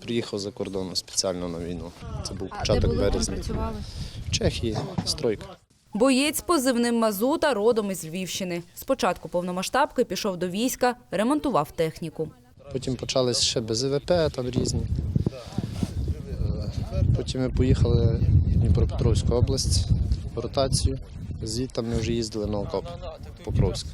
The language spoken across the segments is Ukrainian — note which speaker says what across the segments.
Speaker 1: приїхав за кордону спеціально на війну. Це був початок березня. В Чехії, стройка.
Speaker 2: Боєць з позивним «Мазута» родом із Львівщини. Спочатку повномасштабки пішов до війська, ремонтував техніку.
Speaker 1: Потім почались ще БЗВП, там різні. Потім ми поїхали в Дніпропетровську область в ротацію. Звідти ми вже їздили на окоп Покровськ.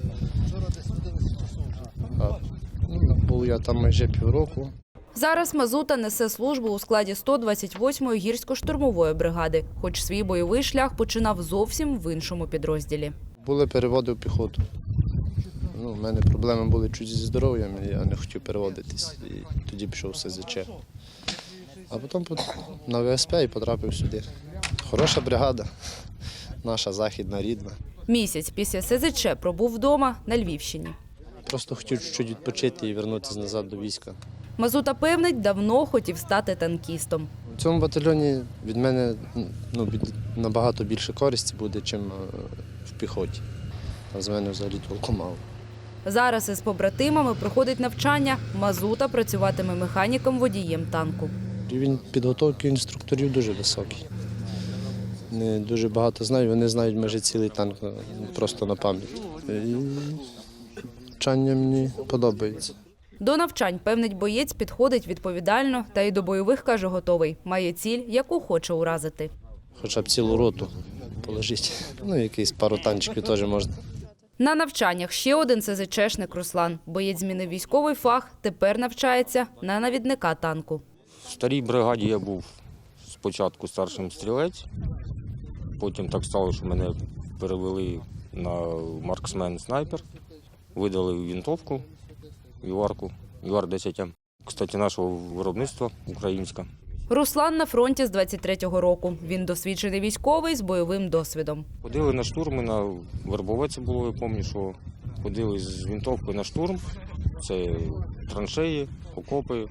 Speaker 1: Був я там майже півроку.
Speaker 2: Зараз «Мазута» несе службу у складі 128-ї гірсько-штурмової бригади, хоч свій бойовий шлях починав зовсім в іншому підрозділі.
Speaker 1: Були переводи в піхоту. У мене проблеми були чуть зі здоров'ям, я не хотів переводитись. І тоді пішов в СЗЧ. А потім на ВСП і потрапив сюди. Хороша бригада, наша західна, рідна.
Speaker 2: Місяць після СЗЧ пробув вдома на Львівщині.
Speaker 1: Просто хотів чуть відпочити і повернутися назад до війська.
Speaker 2: «Мазута» певнить, давно хотів стати танкістом.
Speaker 1: У цьому батальйоні від мене набагато більше користі буде, ніж в піхоті. Там з мене взагалі толку мало.
Speaker 2: Зараз із побратимами проходить навчання. «Мазута» працюватиме механіком-водієм танку.
Speaker 1: Рівень підготовки інструкторів дуже високий. Не дуже багато знають, вони знають майже цілий танк просто на пам'ять. І навчання мені подобається.
Speaker 2: До навчань, певнить боєць, підходить відповідально та й до бойових, каже, готовий. Має ціль, яку хоче уразити.
Speaker 1: Хоча б цілу роту положити. Якийсь пару танчиків теж можна.
Speaker 2: На навчаннях ще один СЗЧшник Руслан. Боєць змінив військовий фах, тепер навчається на навідника танку.
Speaker 3: В старій бригаді я був спочатку старшим стрілець, потім так стало, що мене перевели на марксмен-снайпер, видали винтовку, Юарку, Юар-10М. Кстати, нашого виробництва, українська.
Speaker 2: Руслан на фронті з 23-го року. Він досвідчений військовий з бойовим досвідом.
Speaker 3: Ходили на штурми, на Вербовець було, я пам'ятаю, що ходили з винтовкою на штурм. Це траншеї, окопи,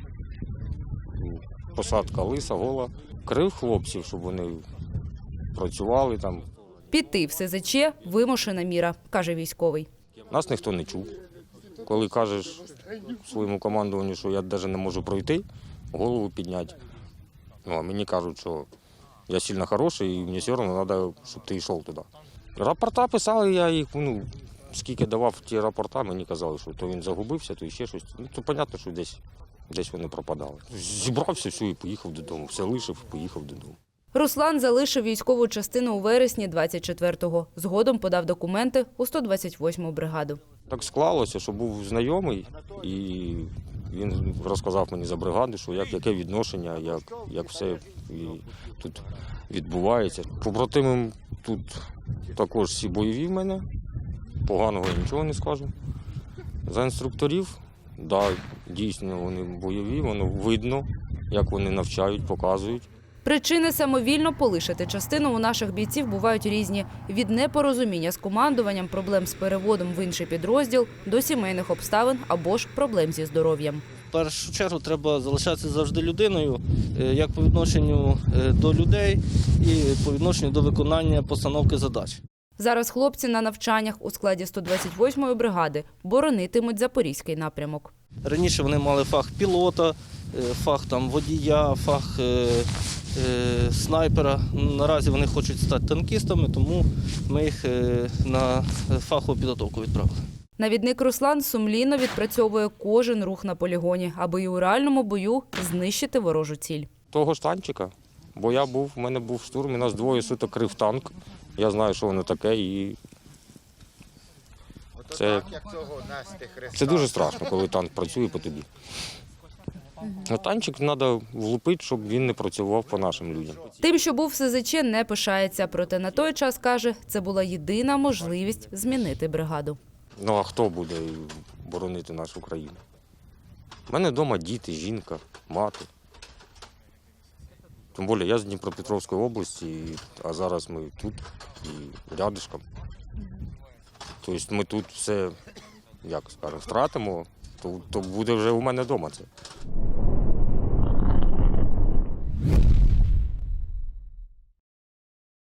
Speaker 3: посадка лиса, гола. Крив хлопців, щоб вони працювали там.
Speaker 2: Піти в СЗЧ – вимушена міра, каже військовий.
Speaker 3: Нас ніхто не чув. Коли кажеш своєму командуванню, що я навіть не можу пройти, голову підняти. А мені кажуть, що я сильно хороший і мені все одно треба, щоб ти йшов туди. Рапорта писали, я їх, скільки давав ті рапорта, мені казали, що то він загубився, то ще щось. То зрозуміло, що десь вони пропадали. Зібрався, все, і поїхав додому. Все лишив, поїхав додому.
Speaker 2: Руслан залишив військову частину у вересні 24-го. Згодом подав документи у 128-му бригаду.
Speaker 3: Так склалося, що був знайомий, і він розказав мені за бригаду, що яке відношення, як все тут відбувається. Побратими тут також всі бойові в мене, поганого я нічого не скажу. За інструкторів, дійсно вони бойові, воно видно, як вони навчають, показують.
Speaker 2: Причини самовільно полишити частину у наших бійців бувають різні. Від непорозуміння з командуванням, проблем з переводом в інший підрозділ, до сімейних обставин або ж проблем зі здоров'ям.
Speaker 4: В першу чергу треба залишатися завжди людиною, як по відношенню до людей і по відношенню до виконання постановки задач.
Speaker 2: Зараз хлопці на навчаннях у складі 128-ї бригади боронитимуть Запорізький напрямок.
Speaker 4: Раніше вони мали фах пілота, фах водія, фах снайпера. Наразі вони хочуть стати танкістами, тому ми їх на фахову підготовку відправили.
Speaker 2: Навідник Руслан сумлінно відпрацьовує кожен рух на полігоні, аби і у реальному бою знищити ворожу ціль.
Speaker 3: Того ж танчика, бо в мене був штурм, і нас двоє суток крив танк. Я знаю, що воно таке, і це дуже страшно, коли танк працює по тобі. А танчик треба влупити, щоб він не працював по нашим людям.
Speaker 2: Тим, що був в СЗЧ, не пишається. Проте на той час, каже, це була єдина можливість змінити бригаду.
Speaker 3: А хто буде боронити нашу країну? У мене вдома діти, жінка, мати. Тим більше я з Дніпропетровської області, а зараз ми тут і рядишком. Тобто ми тут все, як скажемо, втратимо, то буде вже у мене вдома це.